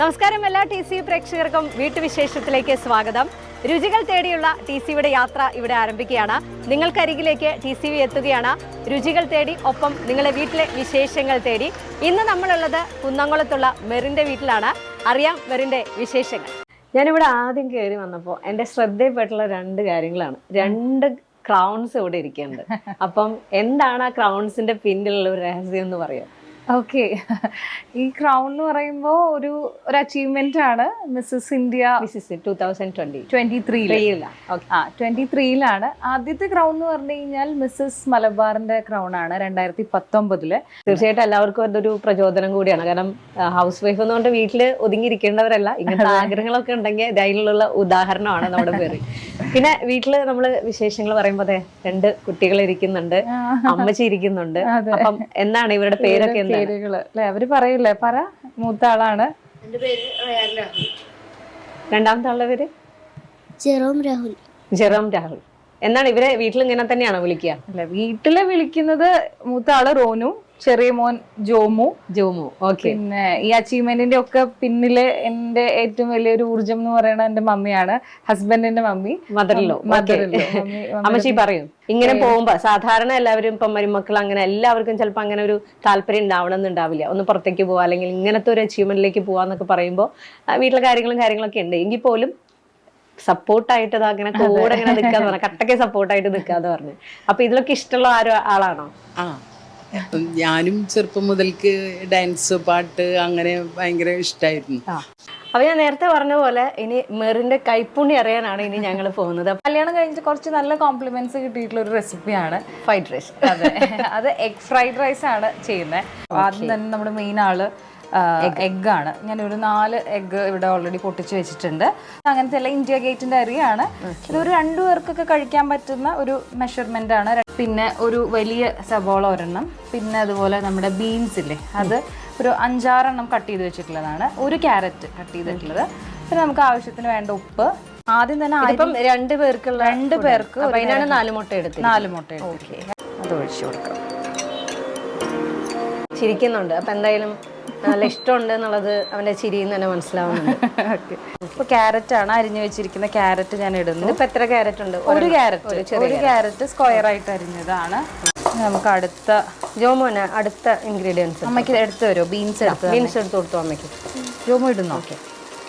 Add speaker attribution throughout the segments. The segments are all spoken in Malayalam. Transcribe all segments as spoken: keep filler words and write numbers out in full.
Speaker 1: നമസ്കാരം എല്ലാ ടി സി പ്രേക്ഷകർക്കും വീട്ടുവിശേഷത്തിലേക്ക് സ്വാഗതം. രുചികൾ തേടിയുള്ള ടി സിയുടെ യാത്ര ഇവിടെ ആരംഭിക്കുകയാണ്. നിങ്ങൾക്കരികിലേക്ക് ടി സി വി എത്തുകയാണ്. രുചികൾ തേടി, ഒപ്പം നിങ്ങളുടെ വീട്ടിലെ വിശേഷങ്ങൾ തേടി. ഇന്ന് നമ്മളുള്ളത് കുന്നംകുളത്തുള്ള മെറിൻ്റെ വീട്ടിലാണ്. അറിയാം മെറിൻ്റെ വിശേഷങ്ങൾ. ഞാനിവിടെ ആദ്യം കയറി വന്നപ്പോൾ എൻ്റെ ശ്രദ്ധയിൽപ്പെട്ടുള്ള രണ്ട് കാര്യങ്ങളാണ്. രണ്ട് ക്രൗൺസ് ഇവിടെ ഇരിക്കുന്നുണ്ട്. അപ്പം എന്താണ് ആ ക്രൗൺസിന്റെ പിന്നിലുള്ള ഒരു രഹസ്യം എന്ന് പറയാം?
Speaker 2: ഓക്കെ, ഈ ക്രൗൺ എന്ന് പറയുമ്പോൾ ഒരു ഒരു അച്ചീവ്മെന്റ് ആണ്. Mrs India
Speaker 1: Mrs two thousand twenty
Speaker 2: twenty ത്രീയിലാണ് ആ ട്വന്റി ത്രീയിലാണ് ആദ്യത്തെ ക്രൗൺ എന്ന് പറഞ്ഞു കഴിഞ്ഞാൽ മിസ്സസ് മലബാറിന്റെ ക്രൗൺ ആണ് രണ്ടായിരത്തി പത്തൊമ്പതില്.
Speaker 1: തീർച്ചയായിട്ടും എല്ലാവർക്കും അതൊരു പ്രചോദനം കൂടിയാണ്. കാരണം ഹൗസ് വൈഫ് എന്നുകൊണ്ട് വീട്ടില് ഒതുങ്ങിയിരിക്കേണ്ടവരല്ല. ഇങ്ങനത്തെ ആഗ്രഹങ്ങളൊക്കെ ഉണ്ടെങ്കിൽ ഇതിനുള്ള ഉദാഹരണമാണ് നമ്മുടെ പേര്. പിന്നെ വീട്ടില് നമ്മള് വിശേഷങ്ങൾ പറയുമ്പോ അതെ രണ്ട് കുട്ടികൾ ഇരിക്കുന്നുണ്ട്, അമ്മച്ചി ഇരിക്കുന്നുണ്ട്. അപ്പം എന്താണ് ഇവരുടെ പേരൊക്കെ?
Speaker 2: പേരുകള് അല്ലെ അവര് പറയില്ലേ? പറ. മൂത്ത ആളാണ്.
Speaker 1: രണ്ടാമത്തെ ആളുടെ പേര്
Speaker 3: ജെറോം രാഹുൽ.
Speaker 1: ജെറോം രാഹുൽ. എന്താണ് ഇവരെ വീട്ടിൽ ഇങ്ങനെ തന്നെയാണോ വിളിക്കുക?
Speaker 2: അല്ല, വീട്ടില് വിളിക്കുന്നത് മൂത്ത ആള് റോനു, ചെറിയ മോൻ ജോമു.
Speaker 1: ജോമു. ഓക്കെ.
Speaker 2: പിന്നെ ഈ അച്ചീവ്മെന്റിന്റെ ഒക്കെ പിന്നില് എന്റെ ഏറ്റവും വലിയൊരു ഊർജം എന്ന് പറയുന്നത് എന്റെ മമ്മിയാണ്, ഹസ്ബൻഡിന്റെ മമ്മി.
Speaker 1: മദറിലോ? അമ്മച്ചി പറയും ഇങ്ങനെ പോകുമ്പോ സാധാരണ എല്ലാവരും ഇപ്പം മരുമക്കൾ അങ്ങനെ എല്ലാവർക്കും ചിലപ്പോൾ അങ്ങനെ ഒരു താല്പര്യം ഉണ്ടാവണമെന്നുണ്ടാവില്ല. ഒന്ന് പുറത്തേക്ക് പോവാ അല്ലെങ്കിൽ ഇങ്ങനത്തെ ഒരു അച്ചീവ്മെന്റിലേക്ക് പോവാന്നൊക്കെ പറയുമ്പോൾ വീട്ടിലെ കാര്യങ്ങളും കാര്യങ്ങളൊക്കെ ഉണ്ട്. എങ്കിൽ പോലും സപ്പോർട്ടായിട്ട് അങ്ങനെ കൂടെ ഇങ്ങനെ നിൽക്കാന്ന് പറഞ്ഞു, കട്ടയ്ക്ക് സപ്പോർട്ടായിട്ട് നിൽക്കാന്ന് പറഞ്ഞു. അപ്പൊ ഇതിലൊക്കെ ഇഷ്ടമുള്ള ആരോ ആളാണോ?
Speaker 4: ആ, ഞാനും ചെറുപ്പം മുതൽക്ക് ഡാൻസ്, പാട്ട് അങ്ങനെ ഭയങ്കര ഇഷ്ടമായിരുന്നു.
Speaker 1: അപ്പൊ ഞാൻ നേരത്തെ പറഞ്ഞ പോലെ ഇനി മെറിന്റെ കൈപ്പുണ്ണി അറിയാനാണ് ഇനി ഞങ്ങൾ പോകുന്നത്.
Speaker 2: കല്യാണം കഴിഞ്ഞിട്ട് കുറച്ച് നല്ല കോംപ്ലിമെന്റ്സ് കിട്ടിയിട്ടുള്ള ഒരു റെസിപ്പിയാണ്
Speaker 1: ഫ്രൈഡ് റൈസ്.
Speaker 2: അതെ, അത് എഗ് ഫ്രൈഡ് റൈസ് ആണ് ചെയ്യുന്നത്. ആദ്യം തന്നെ നമ്മുടെ മെയിൻ ആള് എഗ് ആണ്. ഞാൻ ഒരു നാല് എഗ് ഇവിടെ ഓൾറെഡി പൊട്ടിച്ച് വെച്ചിട്ടുണ്ട്. അങ്ങനത്തെ എല്ലാം ഇന്ത്യ ഗേറ്റിന്റെ അരിയാണ്. ഇതൊരു രണ്ടു പേർക്കൊക്കെ കഴിക്കാൻ പറ്റുന്ന ഒരു മെഷർമെന്റ് ആണ്. പിന്നെ ഒരു വലിയ സബോള ഒരെണ്ണം, പിന്നെ അതുപോലെ നമ്മുടെ ബീൻസ് ഇല്ലേ അത് ഒരു അഞ്ചാറെണ്ണം കട്ട് ചെയ്ത് വെച്ചിട്ടുള്ളതാണ്. ഒരു ക്യാരറ്റ് കട്ട് ചെയ്തിട്ടുള്ളത്. പിന്നെ നമുക്ക് ആവശ്യത്തിന് വേണ്ട ഉപ്പ്. ആദ്യം തന്നെ
Speaker 1: രണ്ട് പേർക്കുള്ള
Speaker 2: രണ്ട് പേർക്ക്
Speaker 1: അതിനാണ് നാല് മുട്ട എടുത്ത്
Speaker 2: നാല് മുട്ട എടുത്ത് അത് ഒഴിച്ചു കൊടുക്കാം.
Speaker 1: ചിരിക്കുന്നുണ്ട്. അപ്പൊ എന്തായാലും നല്ല ഇഷ്ടമുണ്ട് എന്നുള്ളത് അവന്റെ ചിരിയിൽ തന്നെ മനസ്സിലാവുന്നുണ്ട്.
Speaker 2: ഇപ്പൊ ക്യാരറ്റ് ആണ് അരിഞ്ഞു വെച്ചിരിക്കുന്ന ക്യാരറ്റ് ഞാൻ ഇടുന്നു.
Speaker 1: ഇപ്പൊ എത്ര ക്യാരറ്റ് ഉണ്ട്?
Speaker 2: ഒരു ക്യാരറ്റ് ഒരു ക്യാരറ്റ് സ്ക്വയർ ആയിട്ട് അരിഞ്ഞതാണ്. നമുക്ക് അടുത്ത
Speaker 1: ജോമോന് അടുത്ത ഇൻഗ്രീഡിയൻസ്
Speaker 2: അമ്മയ്ക്ക് എടുത്ത് വരുമോ? ബീൻസ് എടുത്ത്
Speaker 1: ബീൻസ് എടുത്ത് കൊടുത്തു അമ്മയ്ക്ക്.
Speaker 2: ജോമോ ഇടുന്നു.
Speaker 1: ഓക്കെ.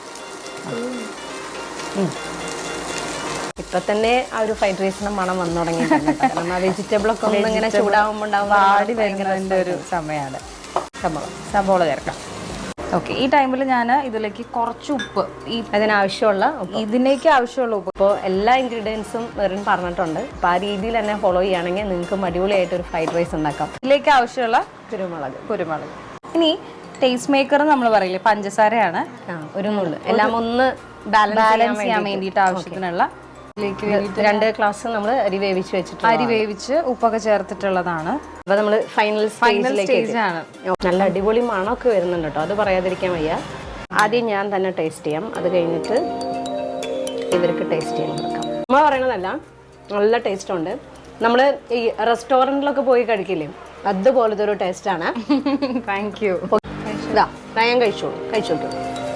Speaker 1: ഇപ്പൊ തന്നെ ആ ഒരു ഫ്രൈഡ് റൈസിന്റെ മണം വന്നു തുടങ്ങിയിട്ടുണ്ട്. ആ വെജിറ്റബിൾ ഒക്കെ ഒന്ന് ഇങ്ങനെ ചൂടാവുമ്പോൾ
Speaker 2: വാടി വരുന്നതിന്റെ ഒരു സമയമാണ്. സബോള സബോള ചേർക്കാം. ഓക്കെ, ഈ ടൈമിൽ ഞാൻ ഇതിലേക്ക് കുറച്ച് ഉപ്പ്, ഈ
Speaker 1: അതിനാവശ്യമുള്ള
Speaker 2: ഇതിലേക്ക് ആവശ്യമുള്ള ഉപ്പ്.
Speaker 1: ഇപ്പോൾ എല്ലാ ഇൻഗ്രീഡിയൻസും മെറിൻ പറഞ്ഞിട്ടുണ്ട്. അപ്പോൾ ആ രീതിയിൽ തന്നെ ഫോളോ ചെയ്യുകയാണെങ്കിൽ നിങ്ങൾക്കും അടിപൊളിയായിട്ട് ഒരു ഫ്രൈഡ് റൈസ് ഉണ്ടാക്കാം.
Speaker 2: ഇതിലേക്ക് ആവശ്യമുള്ള
Speaker 1: കുരുമുളക്
Speaker 2: കുരുമുളക് ഇനി ടേസ്റ്റ് മേക്കർ നമ്മൾ പറയില്ലേ, പഞ്ചസാരയാണ്.
Speaker 1: ഒരു നുള്ളു എല്ലാം ഒന്ന്
Speaker 2: ബാലൻസ് ചെയ്യാൻ വേണ്ടിയിട്ട് ആവശ്യത്തിനുള്ള
Speaker 1: രണ്ട് ഗ്ലാസ് നമ്മൾ അരി വേവിച്ച് വെച്ചിട്ട്
Speaker 2: അരി വേവിച്ച് ഉപ്പൊക്കെ ചേർത്തിട്ടുള്ളതാണ്.
Speaker 1: അപ്പൊ നമ്മൾ ഫൈനൽ
Speaker 2: ഫൈനൽ സ്റ്റേജ് ആണ്.
Speaker 1: നല്ല അടിപൊളി മണമൊക്കെ വരുന്നുണ്ട് കേട്ടോ, അത് പറയാതിരിക്കാൻ വയ്യ. ആദ്യം ഞാൻ തന്നെ ടേസ്റ്റ് ചെയ്യാം, അത് കഴിഞ്ഞിട്ട് ഇവർക്ക് ടേസ്റ്റ് ചെയ്യാൻ കൊടുക്കാം. നമ്മൾ പറയണതല്ല, നല്ല ടേസ്റ്റ് ഉണ്ട്. നമ്മൾ ഈ റെസ്റ്റോറൻറ്റിലൊക്കെ പോയി കഴിക്കില്ലേ, അതുപോലത്തെ ഒരു ടേസ്റ്റാണ്.
Speaker 2: Thank you.
Speaker 1: ഇതാ ഞാൻ കഴിച്ചോളൂ, കഴിച്ചോളൂ.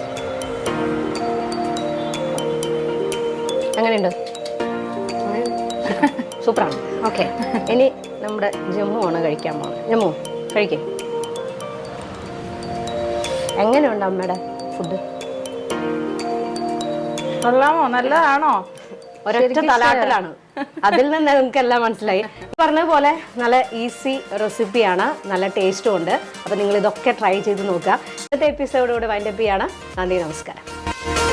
Speaker 1: എങ്ങനെയുണ്ട്? സൂപ്പറാണ്. ഓക്കെ, ഇനി നമ്മുടെ ജമ്മു ആണ് കഴിക്കാൻ പോകുന്നത്. ജമ്മു കഴിക്കേ. എങ്ങനെയുണ്ട് അമ്മയുടെ ഫുഡ്?
Speaker 2: കൊള്ളാമോ? നല്ലതാണോ?
Speaker 1: ഒരൊറ്റ തലാട്ടലാണ്. അതിൽ നിന്ന് നിങ്ങൾക്ക് എല്ലാം മനസ്സിലായി. പറഞ്ഞ പോലെ നല്ല ഈസി റെസിപ്പിയാണ്, നല്ല ടേസ്റ്റും ഉണ്ട്. അപ്പം നിങ്ങൾ ഇതൊക്കെ ട്രൈ ചെയ്ത് നോക്കുക. ഇന്നത്തെ എപ്പിസോഡോട് വൈൻഡപ്പ് ചെയ്യാണ്. നന്ദി, നമസ്കാരം.